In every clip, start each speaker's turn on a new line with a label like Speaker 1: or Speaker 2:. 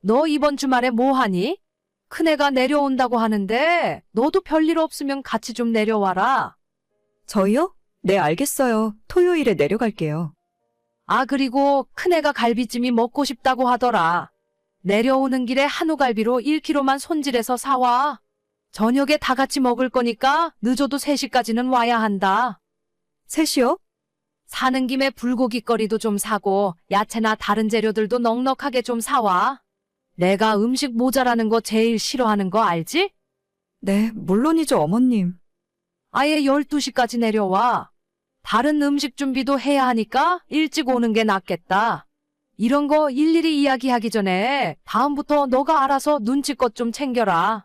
Speaker 1: 너 이번 주말에 뭐 하니? 큰애가 내려온다고 하는데 너도 별일 없으면 같이 좀 내려와라.
Speaker 2: 저희요? 네, 알겠어요. 토요일에 내려갈게요.
Speaker 1: 아, 그리고 큰애가 갈비찜이 먹고 싶다고 하더라. 내려오는 길에 한우갈비로 1kg만 손질해서 사와. 저녁에 다 같이 먹을 거니까 늦어도 3시까지는 와야 한다.
Speaker 2: 셋이요?
Speaker 1: 사는 김에 불고기거리도 좀 사고 야채나 다른 재료들도 넉넉하게 좀 사와. 내가 음식 모자라는 거 제일 싫어하는 거 알지?
Speaker 2: 네, 물론이죠, 어머님.
Speaker 1: 아예 12시까지 내려와. 다른 음식 준비도 해야 하니까 일찍 오는 게 낫겠다. 이런 거 일일이 이야기하기 전에 다음부터 너가 알아서 눈치껏 좀 챙겨라.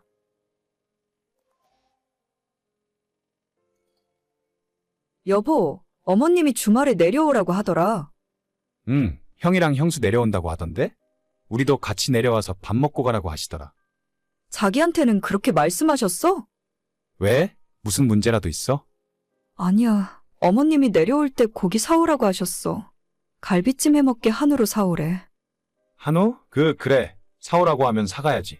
Speaker 2: 여보, 어머님이 주말에 내려오라고 하더라.
Speaker 3: 응, 형이랑 형수 내려온다고 하던데? 우리도 같이 내려와서 밥 먹고 가라고 하시더라.
Speaker 2: 자기한테는 그렇게 말씀하셨어?
Speaker 3: 왜? 무슨 문제라도 있어?
Speaker 2: 아니야. 어머님이 내려올 때 고기 사오라고 하셨어. 갈비찜 해먹게 한우로 사오래.
Speaker 3: 한우? 그래. 사오라고 하면 사가야지.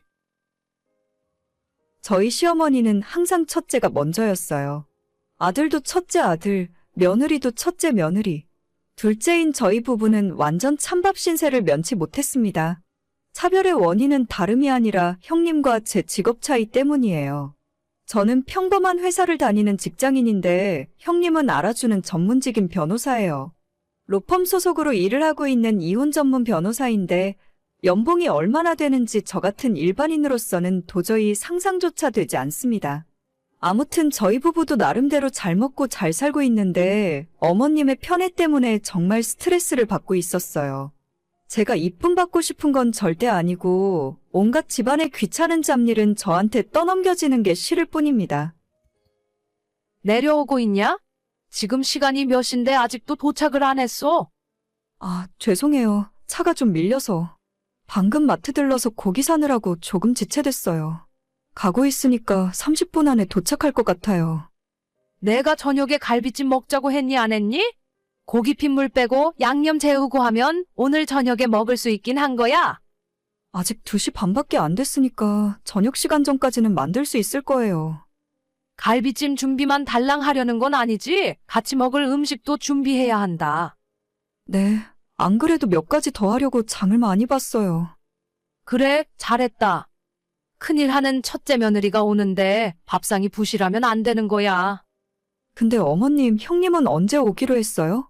Speaker 2: 저희 시어머니는 항상 첫째가 먼저였어요. 아들도 첫째 아들, 며느리도 첫째 며느리. 둘째인 저희 부부는 완전 찬밥 신세를 면치 못했습니다. 차별의 원인은 다름이 아니라 형님과 제 직업 차이 때문이에요. 저는 평범한 회사를 다니는 직장인인데 형님은 알아주는 전문직인 변호사예요. 로펌 소속으로 일을 하고 있는 이혼 전문 변호사인데 연봉이 얼마나 되는지 저 같은 일반인으로서는 도저히 상상조차 되지 않습니다. 아무튼 저희 부부도 나름대로 잘 먹고 잘 살고 있는데 어머님의 편애 때문에 정말 스트레스를 받고 있었어요. 제가 이쁨 받고 싶은 건 절대 아니고 온갖 집안의 귀찮은 잡일은 저한테 떠넘겨지는 게 싫을 뿐입니다.
Speaker 1: 내려오고 있냐? 지금 시간이 몇 시인데 아직도 도착을 안 했어.
Speaker 2: 아, 죄송해요. 차가 좀 밀려서. 방금 마트 들러서 고기 사느라고 조금 지체됐어요. 가고 있으니까 30분 안에 도착할 것 같아요.
Speaker 1: 내가 저녁에 갈비찜 먹자고 했니 안 했니? 고기 핏물 빼고 양념 재우고 하면 오늘 저녁에 먹을 수 있긴 한 거야.
Speaker 2: 아직 2시 반밖에 안 됐으니까 저녁 시간 전까지는 만들 수 있을 거예요.
Speaker 1: 갈비찜 준비만 달랑 하려는 건 아니지. 같이 먹을 음식도 준비해야 한다.
Speaker 2: 네, 안 그래도 몇 가지 더 하려고 장을 많이 봤어요.
Speaker 1: 그래, 잘했다. 큰일 하는 첫째 며느리가 오는데 밥상이 부실하면 안 되는 거야.
Speaker 2: 근데 어머님, 형님은 언제 오기로 했어요?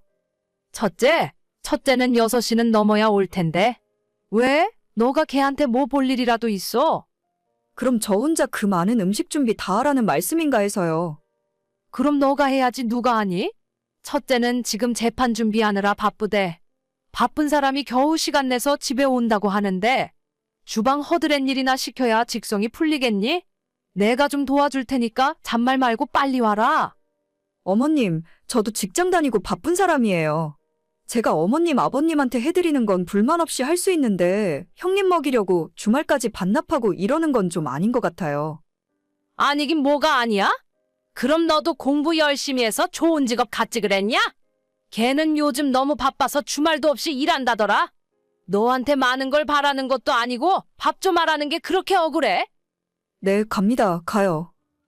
Speaker 1: 첫째는 6시는 넘어야 올 텐데. 왜? 너가 걔한테 뭐 볼 일이라도 있어?
Speaker 2: 그럼 저 혼자 그 많은 음식 준비 다 하라는 말씀인가 해서요.
Speaker 1: 그럼 너가 해야지 누가 하니? 첫째는 지금 재판 준비하느라 바쁘대. 바쁜 사람이 겨우 시간 내서 집에 온다고 하는데 주방 허드렛 일이나 시켜야 직성이 풀리겠니? 내가 좀 도와줄 테니까 잔말 말고 빨리 와라.
Speaker 2: 어머님, 저도 직장 다니고 바쁜 사람이에요. 제가 어머님, 아버님한테 해드리는 건 불만 없이 할 수 있는데 형님 먹이려고 주말까지 반납하고 이러는 건 좀 아닌 것 같아요.
Speaker 1: 아니긴 뭐가 아니야? 그럼 너도 공부 열심히 해서 좋은 직업 갖지 그랬냐? 걔는 요즘 너무 바빠서 주말도 없이 일한다더라. 너한테 많은 걸 바라는 것도 아니고 밥 좀 하라는 게 그렇게 억울해?
Speaker 2: 네, 갑니다. 가요.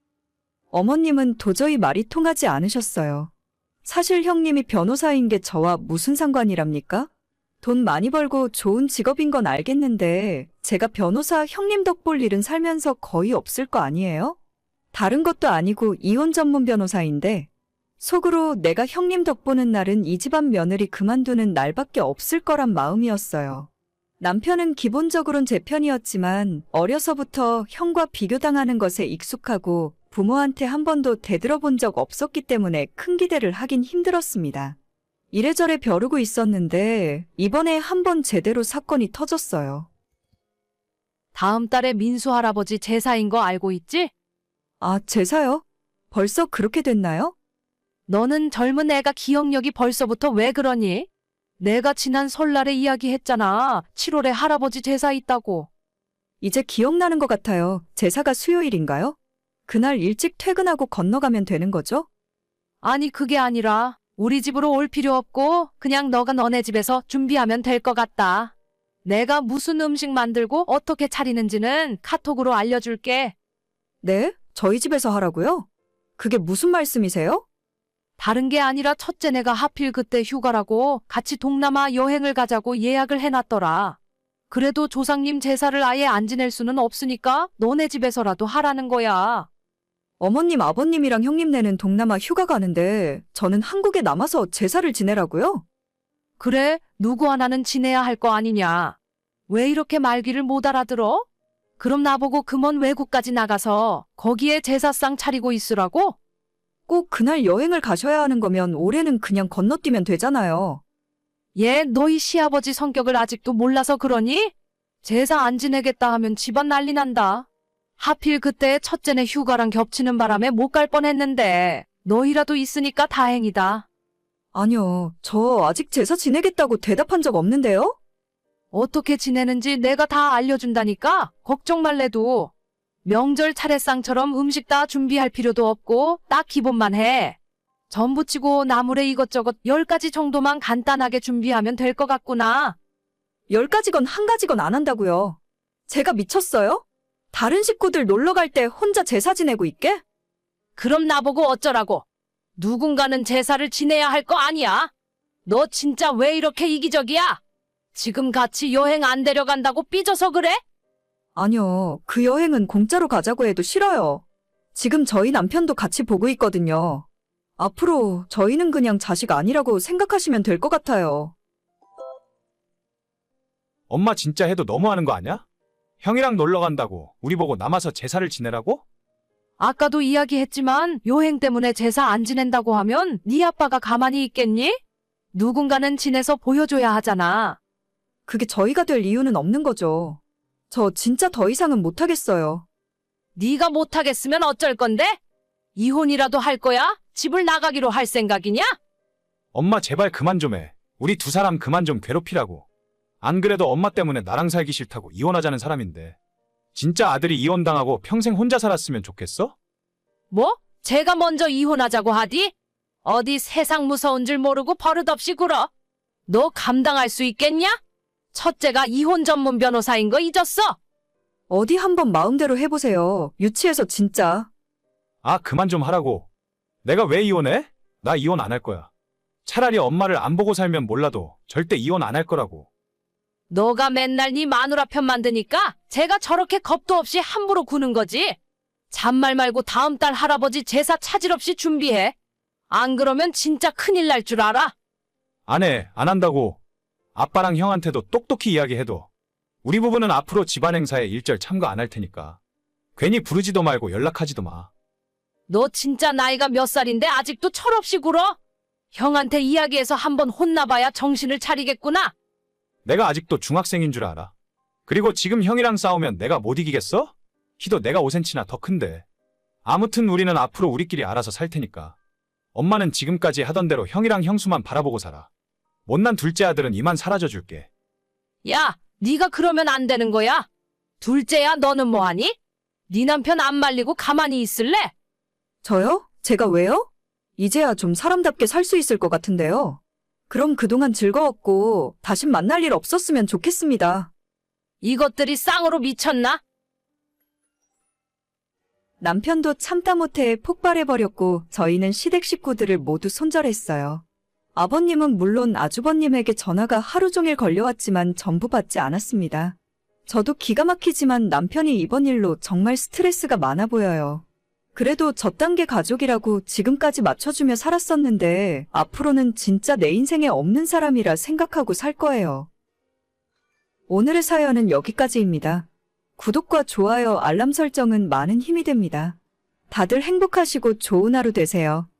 Speaker 2: 어머님은 도저히 말이 통하지 않으셨어요. 사실 형님이 변호사인 게 저와 무슨 상관이랍니까? 돈 많이 벌고 좋은 직업인 건 알겠는데 제가 변호사 형님 덕 볼 일은 살면서 거의 없을 거 아니에요? 다른 것도 아니고 이혼 전문 변호사인데 속으로 내가 형님 덕 보는 날은 이 집안 며느리 그만두는 날밖에 없을 거란 마음이었어요. 남편은 기본적으론 제 편이었지만 어려서부터 형과 비교당하는 것에 익숙하고 부모한테 한 번도 대들어본 적 없었기 때문에 큰 기대를 하긴 힘들었습니다. 이래저래 벼르고 있었는데 이번에 한 번 제대로 사건이 터졌어요.
Speaker 1: 다음 달에 민수 할아버지 제사인 거 알고 있지?
Speaker 2: 아, 제사요? 벌써 그렇게 됐나요?
Speaker 1: 너는 젊은 애가 기억력이 벌써부터 왜 그러니? 내가 지난 설날에 이야기했잖아. 7월에 할아버지 제사 있다고.
Speaker 2: 이제 기억나는 것 같아요. 제사가 수요일인가요? 그날 일찍 퇴근하고 건너가면 되는 거죠?
Speaker 1: 아니 그게 아니라 우리 집으로 올 필요 없고 그냥 너가 너네 집에서 준비하면 될 것 같다. 내가 무슨 음식 만들고 어떻게 차리는지는 카톡으로 알려줄게.
Speaker 2: 네? 저희 집에서 하라고요? 그게 무슨 말씀이세요?
Speaker 1: 다른 게 아니라 첫째 내가 하필 그때 휴가라고 같이 동남아 여행을 가자고 예약을 해놨더라. 그래도 조상님 제사를 아예 안 지낼 수는 없으니까 너네 집에서라도 하라는 거야.
Speaker 2: 어머님, 아버님이랑 형님네는 동남아 휴가 가는데 저는 한국에 남아서 제사를 지내라고요?
Speaker 1: 그래, 누구 하나는 지내야 할 거 아니냐. 왜 이렇게 말귀를 못 알아들어? 그럼 나보고 그 먼 외국까지 나가서 거기에 제사상 차리고 있으라고?
Speaker 2: 꼭 그날 여행을 가셔야 하는 거면 올해는 그냥 건너뛰면 되잖아요.
Speaker 1: 얘 너희 시아버지 성격을 아직도 몰라서 그러니? 제사 안 지내겠다 하면 집안 난리 난다. 하필 그때 첫째네 휴가랑 겹치는 바람에 못 갈 뻔했는데 너희라도 있으니까 다행이다.
Speaker 2: 아니요, 저 아직 제사 지내겠다고 대답한 적 없는데요?
Speaker 1: 어떻게 지내는지 내가 다 알려준다니까 걱정 말래도. 명절 차례상처럼 음식 다 준비할 필요도 없고 딱 기본만 해. 전부치고 나물에 이것저것 10가지 정도만 간단하게 준비하면 될 것 같구나.
Speaker 2: 10가지건 1가지건 안 한다고요. 제가 미쳤어요? 다른 식구들 놀러 갈 때 혼자 제사 지내고 있게?
Speaker 1: 그럼 나보고 어쩌라고. 누군가는 제사를 지내야 할 거 아니야. 너 진짜 왜 이렇게 이기적이야? 지금 같이 여행 안 데려간다고 삐져서 그래?
Speaker 2: 아니요, 그 여행은 공짜로 가자고 해도 싫어요. 지금 저희 남편도 같이 보고 있거든요. 앞으로 저희는 그냥 자식 아니라고 생각하시면 될 것 같아요.
Speaker 3: 엄마 진짜 해도 너무하는 거 아니야? 형이랑 놀러 간다고 우리 보고 남아서 제사를 지내라고?
Speaker 1: 아까도 이야기했지만 여행 때문에 제사 안 지낸다고 하면 네 아빠가 가만히 있겠니? 누군가는 지내서 보여줘야 하잖아.
Speaker 2: 그게 저희가 될 이유는 없는 거죠. 저 진짜 더 이상은 못하겠어요.
Speaker 1: 네가 못하겠으면 어쩔 건데? 이혼이라도 할 거야? 집을 나가기로 할 생각이냐?
Speaker 3: 엄마 제발 그만 좀 해. 우리 두 사람 그만 좀 괴롭히라고. 안 그래도 엄마 때문에 나랑 살기 싫다고 이혼하자는 사람인데. 진짜 아들이 이혼당하고 평생 혼자 살았으면 좋겠어?
Speaker 1: 뭐? 제가 먼저 이혼하자고 하디? 어디 세상 무서운 줄 모르고 버릇없이 굴어. 너 감당할 수 있겠냐? 첫째가 이혼 전문 변호사인 거 잊었어?
Speaker 2: 어디 한번 마음대로 해보세요. 유치해서 진짜.
Speaker 3: 아, 그만 좀 하라고. 내가 왜 이혼해? 나 이혼 안 할 거야. 차라리 엄마를 안 보고 살면 몰라도 절대 이혼 안 할 거라고.
Speaker 1: 너가 맨날 네 마누라 편 만드니까 제가 저렇게 겁도 없이 함부로 구는 거지. 잔말 말고 다음 달 할아버지 제사 차질 없이 준비해. 안 그러면 진짜 큰일 날 줄 알아.
Speaker 3: 안 해, 안 한다고. 아빠랑 형한테도 똑똑히 이야기해도 우리 부부는 앞으로 집안 행사에 일절 참가 안 할 테니까 괜히 부르지도 말고 연락하지도 마.
Speaker 1: 너 진짜 나이가 몇 살인데 아직도 철없이 굴어? 형한테 이야기해서 한번 혼나봐야 정신을 차리겠구나.
Speaker 3: 내가 아직도 중학생인 줄 알아. 그리고 지금 형이랑 싸우면 내가 못 이기겠어? 키도 내가 5cm나 더 큰데. 아무튼 우리는 앞으로 우리끼리 알아서 살 테니까. 엄마는 지금까지 하던 대로 형이랑 형수만 바라보고 살아. 못난 둘째 아들은 이만 사라져 줄게.
Speaker 1: 야, 네가 그러면 안 되는 거야. 둘째야, 너는 뭐하니? 네 남편 안 말리고 가만히 있을래?
Speaker 2: 저요? 제가 왜요? 이제야 좀 사람답게 살 수 있을 것 같은데요. 그럼 그동안 즐거웠고 다신 만날 일 없었으면 좋겠습니다.
Speaker 1: 이것들이 쌍으로 미쳤나?
Speaker 2: 남편도 참다 못해 폭발해버렸고 저희는 시댁 식구들을 모두 손절했어요. 아버님은 물론 아주버님에게 전화가 하루 종일 걸려왔지만 전부 받지 않았습니다. 저도 기가 막히지만 남편이 이번 일로 정말 스트레스가 많아 보여요. 그래도 저단계 가족이라고 지금까지 맞춰주며 살았었는데 앞으로는 진짜 내 인생에 없는 사람이라 생각하고 살 거예요. 오늘의 사연은 여기까지입니다. 구독과 좋아요, 알람 설정은 많은 힘이 됩니다. 다들 행복하시고 좋은 하루 되세요.